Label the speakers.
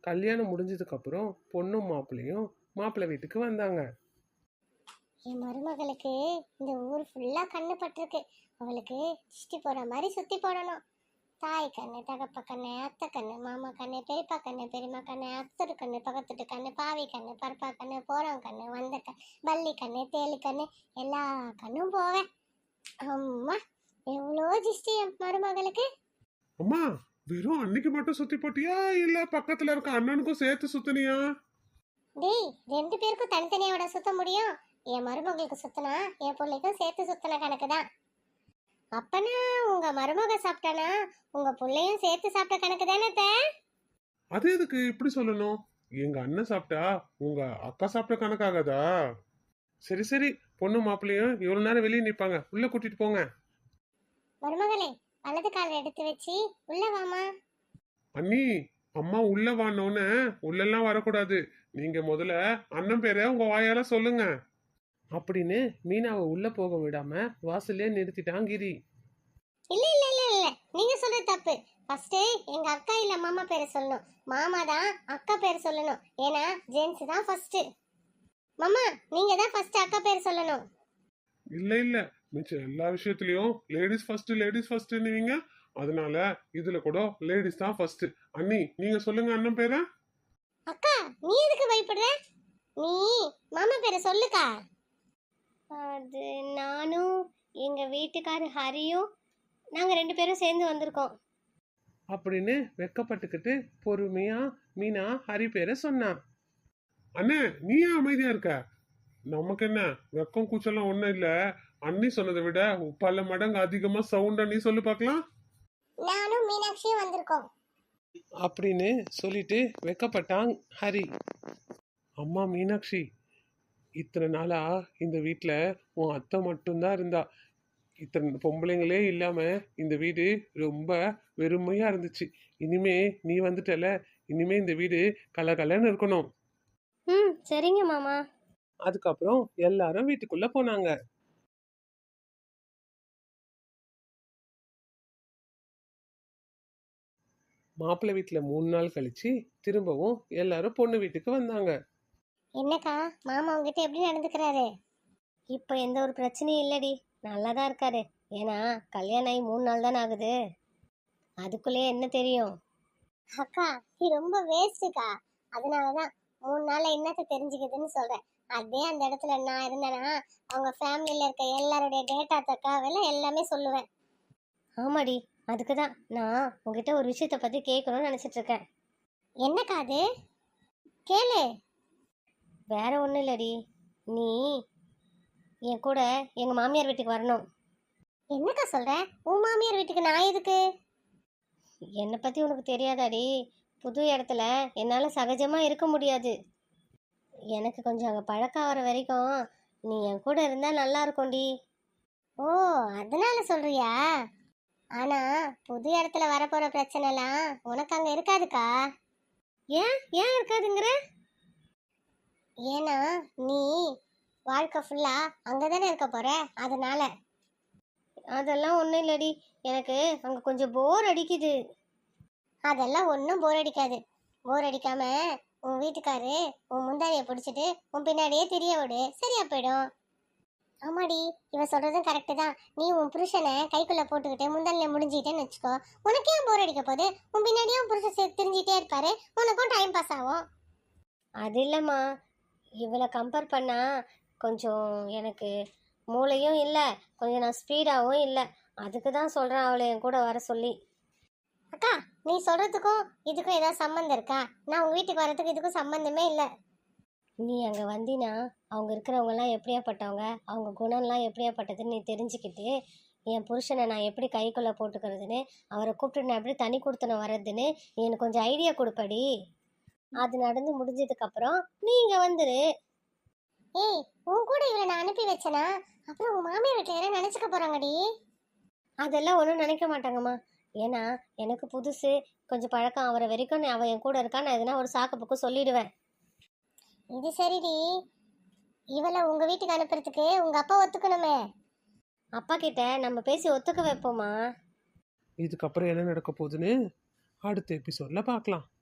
Speaker 1: கல்யாணம் முடிஞ்சதுக்கு அப்புறம் பொண்ணும் மாப்பிள்ளையும் மாப்பிள்ளை வீட்டுக்கு வந்தாங்க.
Speaker 2: என் மருமகளுக்கு இந்த ஊர் ஃபுல்லா கண்ணு பட்டிருக்கு. அவளுக்கு திருஷ்டி போற மாதிரி சுத்தி போடணும். தாய் கண்ணு, தகப்ப கண்ணு, அத்தை கண்ணு, மாமா கண்ணு, பெரியப்பா கண்ணு, பெரியம்மா கண்ணு, அத்தரு கண்ணு, பக்கத்துட்டு கண்ணு, பாவி கண்ணு, பருப்பா கண்ணு, போறம் கண்ணு, வந்த கண்ணு, பல்லி கண்ணு, தேலி கண்ணு, எல்லா கண்ணும் போவேன். அம்மா, எவ்வளோ திருஷ்டி என் மருமகளுக்கு.
Speaker 1: அம்மா, வெறும் அன்னைக்கு மட்டும் சுத்தி போட்டியா இல்ல பக்கத்துல இருக்க அண்ணனுக்கும் சேர்த்து சுத்தினியா?
Speaker 2: டேய், 2 பேருக்கும் தனித்தனியோட சுத்த முடியும். என் மருமகளுக்கு சுத்தினா என் பிள்ளைக்கும் சேர்த்து சுத்தின கணக்கு தான். அப்பனா உங்க மருமக சாப்பிட்டானா உங்க பிள்ளையும் சேர்த்து சாப்பிட்ட கணக்கு தானே?
Speaker 1: அது எதுக்கு இப்படி சொல்லணும்? எங்க அண்ணன் சாப்பிட்டா உங்க அக்கா சாப்பிட்ட கணக்காகாதா? சரி சரி, பொண்ணு மாப்பிள்ளையும் இவ்வளவு நேரம் வெளியே நிப்பாங்க, உள்ள கூட்டிட்டு போங்க.
Speaker 2: மருமகளே, வலது கால எடுத்து வச்சு உள்ள வாமா.
Speaker 1: அண்ணி, அம்மா உள்ள வானோன்னு உள்ளெல்லாம் வரக்கூடாது. நீங்க முதல்ல அண்ணன் பேரை உங்க வாயால சொல்லுங்க அப்படின்னு மீனாவை உள்ள போக விடாம வாசல்லே நிறுத்திட்டான் கிரி.
Speaker 2: இல்ல இல்ல இல்ல இல்ல, நீங்க சொல்றது தப்பு. ஃபர்ஸ்ட் எங்க அக்கா இல்ல மாமா பேரை சொல்லணும். மாமா தான் அக்கா பேர் சொல்லணும். ஏன்னா ஜென்ஸ் தான் ஃபர்ஸ்ட். மாமா, நீங்க தான் ஃபர்ஸ்ட் அக்கா பேர் சொல்லணும்.
Speaker 1: இல்ல இல்ல, மிச்சம் எல்லா விஷயத்துலயும் லேடிஸ் ஃபர்ஸ்ட் லேடிஸ் ஃபர்ஸ்ட்னுவீங்க. அதனால இதுல கூட லேடிஸ் தான் ஃபர்ஸ்ட். அண்ணி, நீங்க சொல்லுங்க அண்ணன் பேரை.
Speaker 2: அக்கா, நீ எதுக்கு பயப்படுற? நீ மாமா பேரை சொல்லுக்கா. அது நானும் எங்க வீட்டுக்காரர் ஹரியும் நாங்க 2 பேரும் சேர்ந்து வந்திருக்கோம்
Speaker 1: அப்படின்னு வெக்கப்பட்டுக்கிட்டு பொறுமையா மீனா ஹரி பேரை சொன்னான். அண்ணே, நீ ஏன் அமைதியா இருக்க? நமக்கு என்ன வெக்கம் கூச்சலாம் ஒண்ணும் இல்ல. அண்ணி சொன்னதை விட பல மடங்கு அதிகமா சவுண்ட் அண்ணி சொல்லு பார்க்கலாம்.
Speaker 2: நானும் மீனாட்சியும் வந்திருக்கோம்
Speaker 1: அப்படின்னு சொல்லிட்டு வெக்கப்பட்டான் ஹரி. அம்மா மீனாட்சி, இத்தனை நாளா இந்த வீட்டுல உன் அத்தை மட்டும்தான் இருந்தா. இத்தனை பொம்பளைங்களே இல்லாம இந்த வீடு ரொம்ப வெறுமையா இருந்துச்சு. இனிமே நீ வந்துட்டல, இனிமே இந்த வீடு கலகலன்னு இருக்கணும்.
Speaker 2: சரிங்க மாமா.
Speaker 1: அதுக்கப்புறம் எல்லாரும் வீட்டுக்குள்ள போனாங்க. மாப்பிள்ளை வீட்டுல 3 நாள் கழிச்சு திரும்பவும் எல்லாரும் பொண்ணு வீட்டுக்கு வந்தாங்க.
Speaker 2: என்னக்கா, மாமா உங்ககிட்ட எப்படி நடந்துக்கிறாரு? இப்போ எந்த ஒரு பிரச்சனையும் இல்லடி, நல்லா தான் இருக்காரு. ஏன்னா கல்யாணம் ஆகி 3 நாள் தானே ஆகுது, அதுக்குள்ளேயே என்ன தெரியும்? அக்கா, நீ ரொம்ப வேஸ்ட்டுக்கா. அதனாலதான் 3 நாள்ல என்னத்த தெரிஞ்சுக்குதுன்னு சொல்றேன். அதே அந்த இடத்துல நான் இருந்தேன்னா அவங்க ஃபேமிலியில இருக்க எல்லாருடைய டேட்டா தக்காவெல்லாம் எல்லாமே சொல்லுவேன். ஆமாடி, அதுக்கு தான் நான் உங்ககிட்ட ஒரு விஷயத்தை பத்தி கேட்கணும்னு நினைச்சிட்டு இருக்கேன். என்னக்கா அது? கேளு. வேற ஒன்றும் இல்லடி, நீ என் கூட எங்கள் மாமியார் வீட்டுக்கு வரணும். என்னக்கா சொல்ற? உன் மாமியார் வீட்டுக்கு நான் எதுக்கு? என்னை பற்றி உனக்கு தெரியாதாடி? புது இடத்துல என்னால் சகஜமாக இருக்க முடியாது. எனக்கு கொஞ்சம் அங்கே பழக்கம் ஆகிற வரைக்கும் நீ என் கூட இருந்தால் நல்லா இருக்கும்டி. ஓ, அதனால சொல்றியா? ஆனால் புது இடத்துல வரப்போகிற பிரச்சனைலாம் உனக்கு அங்கே இருக்காதுக்கா. ஏன் ஏன் இருக்காதுங்கிற? ஏன்னா நீ வாழ்க்கை ஃபுல்லா அங்கதானே இருக்க போற, அதனால. அதெல்லாம் ஒன்றும் இல்லடி, எனக்கு அங்கே கொஞ்சம் போர் அடிக்குது. அதெல்லாம் ஒன்றும் போர் அடிக்காது. போர் அடிக்காம உன் வீட்டுக்காரு உன் முந்தாரியை பிடிச்சிட்டு உன் பின்னாடியே தெரிய விடு, சரியா போயிடும். ஆமாடி, இவன் சொல்றதும் கரெக்டு தான். நீ உன் புருஷனை கைக்குள்ள போட்டுக்கிட்டு முந்தானில முடிஞ்சுக்கிட்டேன்னு வச்சுக்கோ, உனக்கு ஏன் போர் அடிக்க போகுது? உன் பின்னாடியே உன் புருஷன் தெரிஞ்சிட்டே இருப்பாரு, உனக்கும் டைம் பாஸ் ஆகும். அது இல்லைம்மா, இவளை கம்பேர் பண்ணா கொஞ்சம் எனக்கு மூளையும் இல்லை, கொஞ்சம் நான் ஸ்பீடாகவும் இல்லை. அதுக்கு தான் சொல்கிறேன் அவளை என் கூட வர சொல்லி. அக்கா, நீ சொல்கிறதுக்கும் இதுக்கும் ஏதாவது சம்மந்தம் இருக்கா? நான் உங்கள் வீட்டுக்கு வரதுக்கு இதுக்கும் சம்மந்தமே இல்லை. நீ அங்கே வந்தினா அவங்க இருக்கிறவங்கலாம் எப்படியாப்பட்டவங்க, அவங்க குணம்லாம் எப்படியாப்பட்டதுன்னு நீ தெரிஞ்சுக்கிட்டு என் புருஷனை நான் எப்படி கைக்குள்ளே போட்டுக்கிறதுன்னு, அவரை கூப்பிட்டு நான் எப்படி தனி கொடுத்தன வர்றதுன்னு எனக்கு கொஞ்சம் ஐடியா கொடுப்படி. அது நடந்து முடிஞ்சதுக்கப்புறம் நீ இங்கே வந்துரு. ஏய், உன் கூட இவளை நான் அனுப்பி வச்சனா அப்புறம் உன் மாமியார் வீட்டில் யாரும் நினச்சிக்க போகிறாங்கடி. அதெல்லாம் ஒன்றும் நினைக்க மாட்டாங்கம்மா. ஏன்னா எனக்கு புதுசு, கொஞ்சம் பழக்கம் ஆகிற வரைக்கும் அவள் என் கூட இருக்கா, நான் எதுனா ஒரு சாக்கு பக்கம் சொல்லிடுவேன். இது சரிடி, இவளை உங்கள் வீட்டுக்கு அனுப்புறதுக்கு உங்கள் அப்பா ஒத்துக்கணுமே. அப்பா கிட்ட நம்ம பேசி ஒத்துக்க வைப்போமா.
Speaker 1: இதுக்கப்புறம் என்ன நடக்க போகுதுன்னு அடுத்த எபிசோட்ல பார்க்கலாம்.